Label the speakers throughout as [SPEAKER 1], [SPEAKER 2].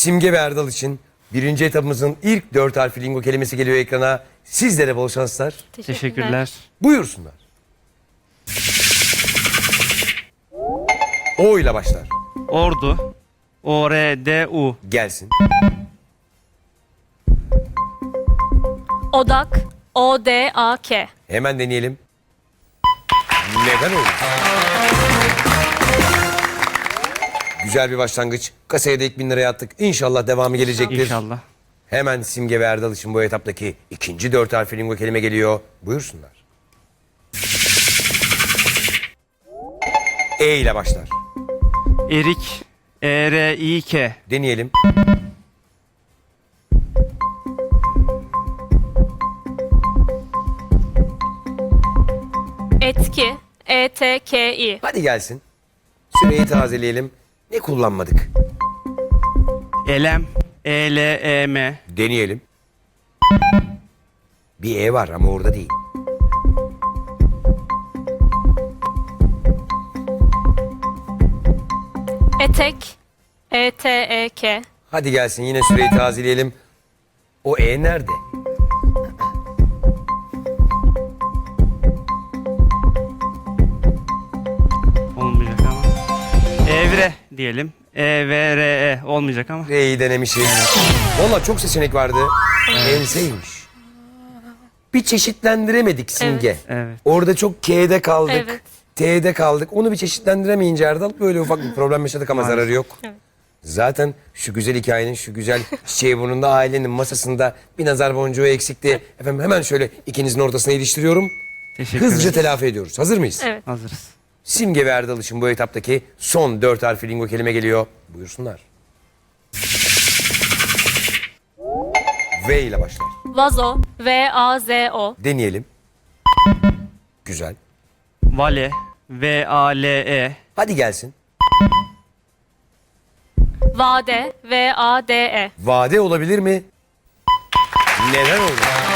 [SPEAKER 1] Simge ve Erdal için birinci etabımızın ilk 4 harfli lingo kelimesi geliyor ekrana. Sizlere bol şanslar.
[SPEAKER 2] Teşekkürler.
[SPEAKER 1] Buyursunlar. O ile başlar.
[SPEAKER 2] Ordu. O-R-D-U.
[SPEAKER 1] Gelsin.
[SPEAKER 3] Odak. O-D-A-K.
[SPEAKER 1] Hemen deneyelim. Neden olur? Güzel bir başlangıç. Kasaya da ilk 1000 liraya attık. İnşallah devamı gelecektir.
[SPEAKER 2] İnşallah.
[SPEAKER 1] Hemen Simge ve Erdal için bu etaptaki ikinci 4 harfli lingo kelime geliyor. Buyursunlar. E ile başlar.
[SPEAKER 2] Erik. E-R-İ-K.
[SPEAKER 1] Deneyelim.
[SPEAKER 3] Etki. E-T-K-İ.
[SPEAKER 1] Hadi gelsin. Süreyi tazeleyelim. Ne kullanmadık?
[SPEAKER 2] Elem. E-L-E-M.
[SPEAKER 1] Deneyelim. Bir E var ama orada değil.
[SPEAKER 3] Etek. E-T-E-K.
[SPEAKER 1] Hadi gelsin yine süreyi tazeleyelim. O E nerede?
[SPEAKER 2] Olmayacak ama. Evre diyelim. E-V-R-E. Olmayacak ama.
[SPEAKER 1] R'yi denemişiz. Valla çok seçenek vardı. Enseymiş. Bir çeşitlendiremedik Simge.
[SPEAKER 2] Evet.
[SPEAKER 1] Orada çok K'de kaldık.
[SPEAKER 3] Evet.
[SPEAKER 1] T'de kaldık. Onu bir çeşitlendiremeyince Erdal böyle ufak bir problem yaşadık ama
[SPEAKER 2] Maalesef.
[SPEAKER 1] zararı yok.
[SPEAKER 3] Evet.
[SPEAKER 1] Zaten şu güzel hikayenin, şu güzel çiçeği burnunda ailenin masasında bir nazar boncuğu eksikti. Efendim hemen şöyle ikinizin ortasına iliştiriyorum.
[SPEAKER 2] Teşekkür
[SPEAKER 1] Hızlıca
[SPEAKER 2] ederiz.
[SPEAKER 1] telafi ediyoruz. Hazır mıyız?
[SPEAKER 3] Evet.
[SPEAKER 2] Hazırız.
[SPEAKER 1] Simge ve Erdal için bu etaptaki son 4 harfli lingo kelime geliyor. Buyursunlar. V ile başlar.
[SPEAKER 3] Vazo. V-A-Z-O.
[SPEAKER 1] Deneyelim. Güzel.
[SPEAKER 2] Vale. V-A-L-E.
[SPEAKER 1] Hadi gelsin.
[SPEAKER 3] Vade. V-A-D-E.
[SPEAKER 1] Vade olabilir mi? Neden oldu?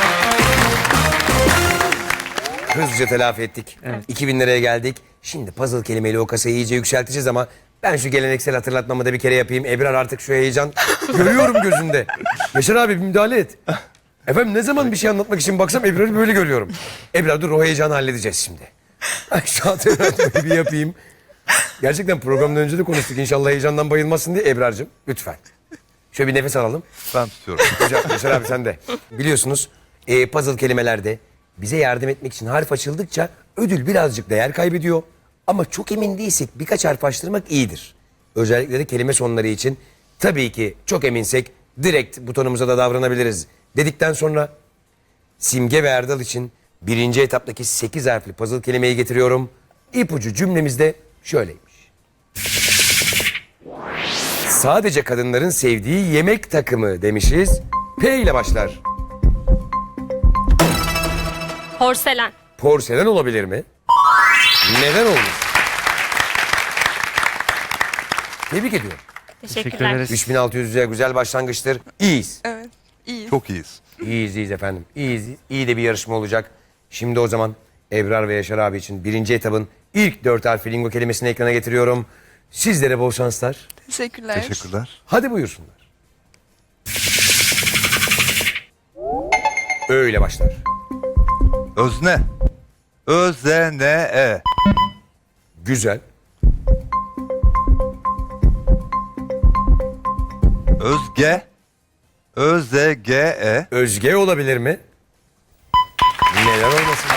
[SPEAKER 1] Hızlıca telafi ettik. 2000 liraya geldik. Şimdi puzzle kelimeyle o kasayı iyice yükselteceğiz ama ben şu geleneksel hatırlatmamı da bir kere yapayım. Ebrar artık şu heyecan görüyorum gözünde. Yaşar abi bir müdahale et. Efendim ne zaman bir şey anlatmak için baksam Ebrar'ı böyle görüyorum. Ebrar dur o heyecanı halledeceğiz şimdi. Ay, şu hatırlatmayı bir yapayım. Gerçekten programdan önce de konuştuk. İnşallah heyecandan bayılmasın diye Ebrar'cığım lütfen. Şöyle bir nefes alalım.
[SPEAKER 4] Ben tutuyorum.
[SPEAKER 1] Güzel Yaşar abi sen de. Biliyorsunuz puzzle kelimelerde bize yardım etmek için harf açıldıkça ödül birazcık değer kaybediyor. Ama çok emin değilsek birkaç harf açtırmak iyidir. Özellikle de kelime sonları için tabii ki çok eminsek direkt butonumuza da davranabiliriz. Dedikten sonra Simge ve Erdal için birinci etaptaki 8 harfli puzzle kelimeyi getiriyorum. İpucu cümlemizde şöyleymiş. Sadece kadınların sevdiği yemek takımı demişiz. P ile başlar.
[SPEAKER 3] Porselen.
[SPEAKER 1] Porselen olabilir mi? Neden olmuş? Tebrik ediyorum.
[SPEAKER 2] Teşekkür
[SPEAKER 3] Teşekkürler.
[SPEAKER 2] ederiz.
[SPEAKER 1] 3600'e güzel başlangıçtır. İyiyiz.
[SPEAKER 5] Evet, iyi.
[SPEAKER 4] Çok iyiyiz.
[SPEAKER 1] İyiyiz efendim. İyiyiz. İyi de bir yarışma olacak. Şimdi o zaman Ebrar ve Yaşar abi için birinci etabın ilk 4 harfli lingo kelimesini ekrana getiriyorum. Sizlere bol şanslar.
[SPEAKER 5] Teşekkürler.
[SPEAKER 4] Teşekkürler.
[SPEAKER 1] Hadi buyursunlar. Öyle başlar.
[SPEAKER 4] Özne. Ö-Z-N-E.
[SPEAKER 1] Güzel.
[SPEAKER 4] Özge. Ö-Z-G-E.
[SPEAKER 1] Özge olabilir mi? Neden olmasın?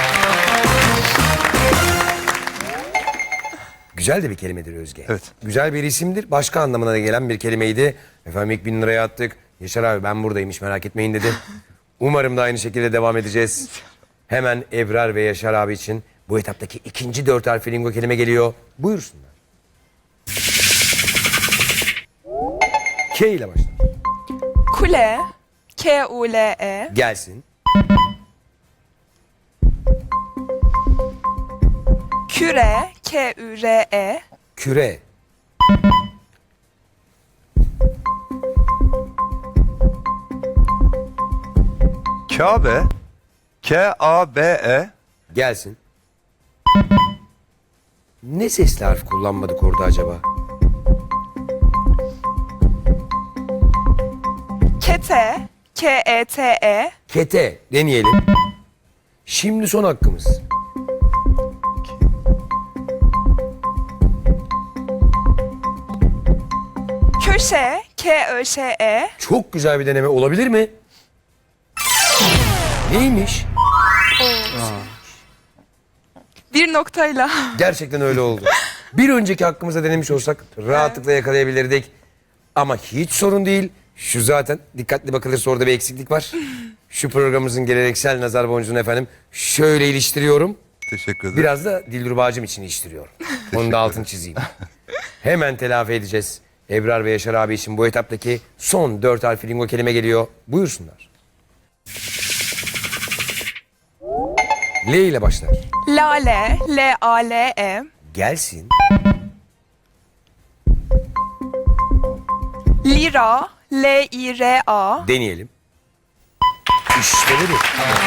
[SPEAKER 1] Güzel de bir kelimedir Özge.
[SPEAKER 4] Evet.
[SPEAKER 1] Güzel bir isimdir. Başka anlamına da gelen bir kelimeydi. Efendim ilk 1000 liraya attık. Yaşar abi ben buradayım hiç merak etmeyin dedi. Umarım da aynı şekilde devam edeceğiz. Hemen Ebrar ve Yaşar abi için bu etaptaki ikinci 4 harfli lingo kelime geliyor. Buyursunlar. K ile başlar.
[SPEAKER 5] Kule. K-U-L-E.
[SPEAKER 1] Gelsin.
[SPEAKER 5] Küre. K-Ü-R-E.
[SPEAKER 1] Küre.
[SPEAKER 4] Kabe. K-A-B-E.
[SPEAKER 1] Gelsin. Ne sesli harf kullanmadık orada acaba?
[SPEAKER 5] Kete, K-E-T-E,
[SPEAKER 1] Kete deneyelim. Şimdi son hakkımız.
[SPEAKER 5] köşe, K-Ö-Ş-E,
[SPEAKER 1] Çok güzel bir deneme olabilir mi? Neymiş?
[SPEAKER 5] bir noktayla.
[SPEAKER 1] Gerçekten öyle oldu. Bir önceki hakkımızda denemiş olsak rahatlıkla yakalayabilirdik. Ama hiç sorun değil. Şu zaten dikkatli bakılırsa orada bir eksiklik var. Şu programımızın geleneksel nazar boncuğunu efendim şöyle iliştiriyorum.
[SPEAKER 4] Teşekkür ederim.
[SPEAKER 1] Biraz da Dilruba Bacım için iliştiriyorum. Onu da altını çizeyim. Hemen telafi edeceğiz. Ebrar ve Yaşar abi için bu etaptaki son 4 harfli lingo kelime geliyor. Buyursunlar. L ile başlar.
[SPEAKER 5] Lale, L-A-L-E,
[SPEAKER 1] Gelsin.
[SPEAKER 5] lira, L-I-R-A,
[SPEAKER 1] Deneyelim. İşte budur.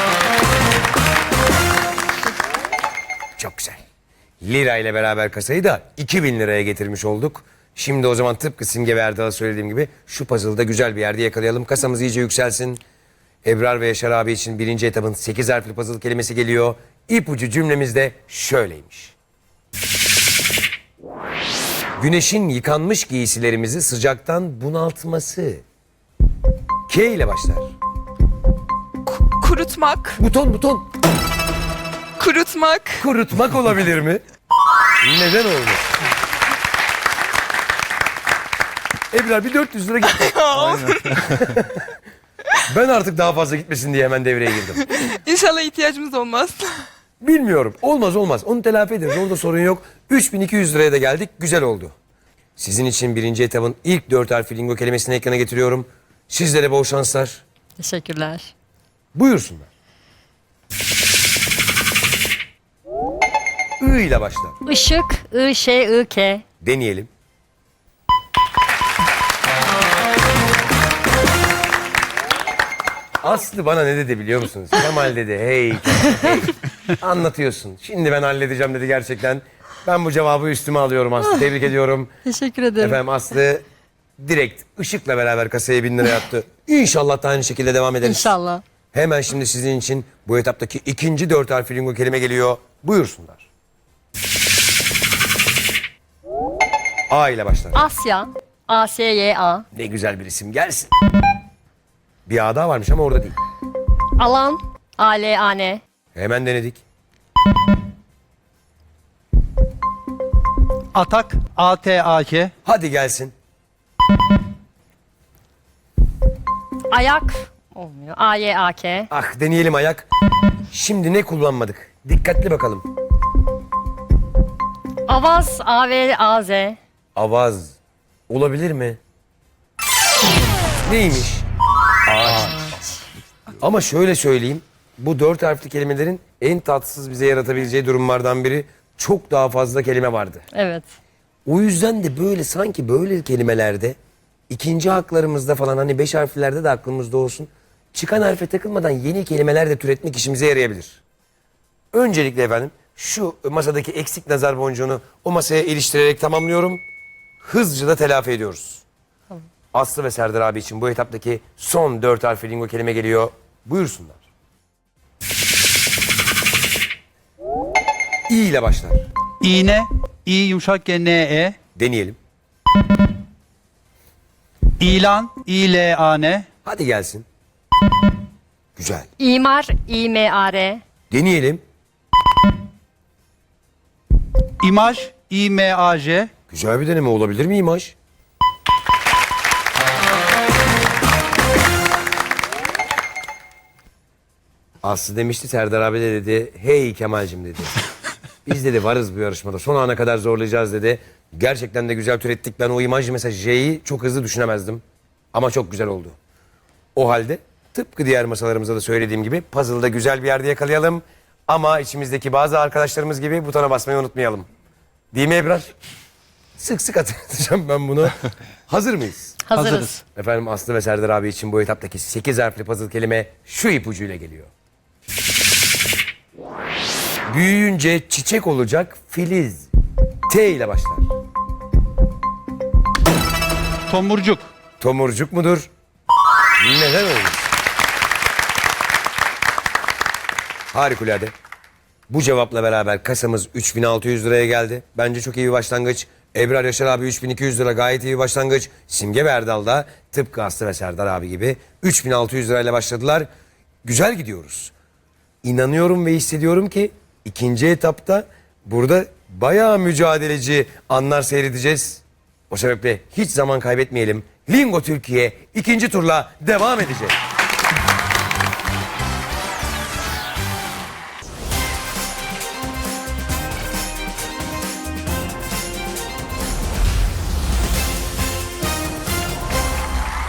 [SPEAKER 1] Çok güzel. Lira ile beraber kasayı da 2000 liraya getirmiş olduk. Şimdi o zaman tıpkı Simge ve Erdal'a söylediğim gibi şu puzzle'da güzel bir yerde yakalayalım. Kasamız iyice yükselsin. Ebrar ve Yaşar abi için birinci etapın 8 harfli puzzle kelimesi geliyor. İpucu cümlemiz de şöyleymiş. Güneşin yıkanmış giysilerimizi sıcaktan bunaltması. K ile başlar.
[SPEAKER 5] kurutmak,
[SPEAKER 1] Buton.
[SPEAKER 5] kurutmak,
[SPEAKER 1] Kurutmak olabilir mi? Neden olmasın? Ebrar bir 400 lira gitti. Ben artık daha fazla gitmesin diye hemen devreye girdim.
[SPEAKER 5] İnşallah ihtiyacımız olmaz.
[SPEAKER 1] Bilmiyorum. Olmaz. Onu telafi ederiz. Orada sorun yok. 3200 liraya da geldik. Güzel oldu. Sizin için birinci etabın ilk 4 harfli lingo kelimesini ekrana getiriyorum. Sizlere bol şanslar.
[SPEAKER 6] Teşekkürler.
[SPEAKER 1] Buyursunlar. I ile başlar.
[SPEAKER 6] Işık, I-Ş-I-K.
[SPEAKER 1] Deneyelim. Aslı bana ne dedi biliyor musunuz? Kemal dedi. Hey Kemal, hey. Anlatıyorsun. Şimdi ben halledeceğim dedi gerçekten. Ben bu cevabı üstüme alıyorum Aslı. Tebrik ediyorum.
[SPEAKER 6] Teşekkür ederim.
[SPEAKER 1] Efendim Aslı direkt ışıkla beraber kasaya 1000 lira yaptı. İnşallah da aynı şekilde devam ederiz.
[SPEAKER 6] İnşallah.
[SPEAKER 1] Hemen şimdi sizin için bu etaptaki ikinci 4 harfli lingo kelime geliyor. Buyursunlar. A ile başlar.
[SPEAKER 6] Asya, A-S-Y-A.
[SPEAKER 1] Ne güzel bir isim gelsin. Bir A daha varmış ama orada değil.
[SPEAKER 6] Alan, A-L-A-N.
[SPEAKER 1] Hemen denedik.
[SPEAKER 7] Atak, A-T-A-K.
[SPEAKER 1] Hadi gelsin.
[SPEAKER 6] Ayak, olmuyor. A-Y-A-K.
[SPEAKER 1] Ah deneyelim ayak. Şimdi ne kullanmadık? Dikkatli bakalım.
[SPEAKER 6] Avaz, A-V-A-Z.
[SPEAKER 1] Avaz. Olabilir mi? Neymiş? Ağaç. Ama şöyle söyleyeyim. Bu 4 harfli kelimelerin en tatsız bize yaratabileceği durumlardan biri çok daha fazla kelime vardı.
[SPEAKER 6] Evet.
[SPEAKER 1] O yüzden de böyle sanki böyle kelimelerde ikinci haklarımızda falan hani 5 harflerde de aklımızda olsun. Çıkan harfe takılmadan yeni kelimeler de türetmek işimize yarayabilir. Öncelikle efendim şu masadaki eksik nazar boncuğunu o masaya iliştirerek tamamlıyorum. Hızlıca da telafi ediyoruz. Aslı ve Serdar abi için bu etaptaki son 4 harfli lingo kelime geliyor. Buyursunlar. İ ile başlar.
[SPEAKER 7] İğne, İ yumuşak G, N-E.
[SPEAKER 1] Deneyelim.
[SPEAKER 7] İlan, İ-L-A-N.
[SPEAKER 1] Hadi gelsin. Güzel.
[SPEAKER 6] İmar, İ-M-A-R.
[SPEAKER 1] Deneyelim.
[SPEAKER 7] İmaj, İ-M-A-J.
[SPEAKER 1] Güzel bir deneme olabilir mi imaj? Aslı demişti Serdar abi de dedi. Hey Kemal'cim dedi. Biz dedi varız bu yarışmada. Son ana kadar zorlayacağız dedi. Gerçekten de güzel türettik. Ben o imajı mesela J'yi çok hızlı düşünemezdim. Ama çok güzel oldu. O halde tıpkı diğer masalarımızda da söylediğim gibi puzzle'da güzel bir yerde yakalayalım. Ama içimizdeki bazı arkadaşlarımız gibi butona basmayı unutmayalım. Değil mi Ebrar? Sık sık hatırlatacağım ben bunu. Hazır mıyız?
[SPEAKER 6] Hazırız.
[SPEAKER 1] Efendim Aslı ve Serdar abi için bu etaptaki 8 harfli puzzle kelime şu ipucuyla geliyor. Büyüyünce çiçek olacak filiz. T ile başlar.
[SPEAKER 7] Tomurcuk.
[SPEAKER 1] Tomurcuk mudur? Neden olmuş? Harikulade. Bu cevapla beraber kasamız 3600 liraya geldi. Bence çok iyi bir başlangıç. Ebrar Yaşar abi 3200 lira gayet iyi bir başlangıç. Simge ve Erdal da tıpkı Aslı ve Serdar abi gibi 3600 lirayla başladılar. Güzel gidiyoruz. İnanıyorum ve hissediyorum ki ikinci etapta burada bayağı mücadeleci anlar seyredeceğiz. O sebeple hiç zaman kaybetmeyelim. Lingo Türkiye ikinci turla devam edecek.